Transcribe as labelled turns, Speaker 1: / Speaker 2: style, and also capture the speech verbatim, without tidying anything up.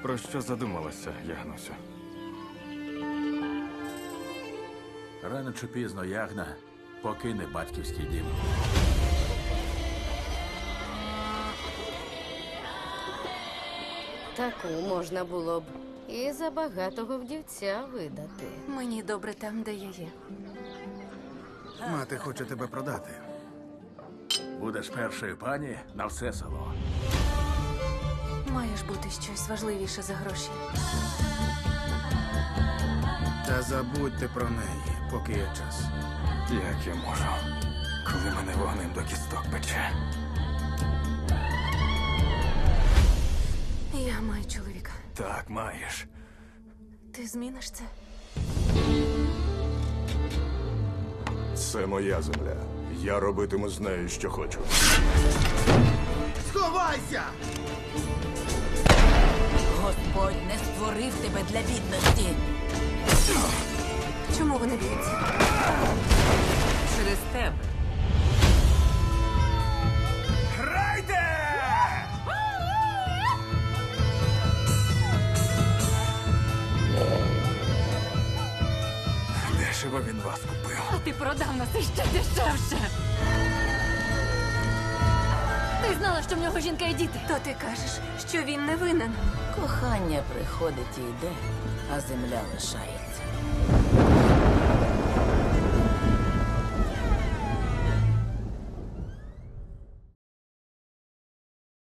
Speaker 1: Про що задумалася, Ягнусю?
Speaker 2: Рано чи пізно Ягна покине батьківський дім.
Speaker 3: Таку можна було б і за багатого вдівця видати.
Speaker 4: Мені добре там, де я є.
Speaker 5: Мати хоче тебе продати.
Speaker 2: Будеш першою пані на все село.
Speaker 4: Має ж бути щось важливіше за гроші.
Speaker 5: Та забудьте про неї, поки є час.
Speaker 1: Як я можу, коли мене вогнем до кісток пече?
Speaker 4: Я маю чоловіка.
Speaker 1: Так, маєш.
Speaker 4: Ти зміниш це?
Speaker 6: Це моя земля. Я робитиму з нею, що хочу.
Speaker 5: Сховайся!
Speaker 7: Господь не створив тебе для бідності.
Speaker 4: Чому вони б'ються?
Speaker 7: Через тебе.
Speaker 1: Грайте! Дешево він вас купив.
Speaker 4: А ти продав нас іще дешевше. Ти знала, що в нього жінка і діти. То ти кажеш, що він не винен.
Speaker 7: Кохання приходить і йде, а земля лишається.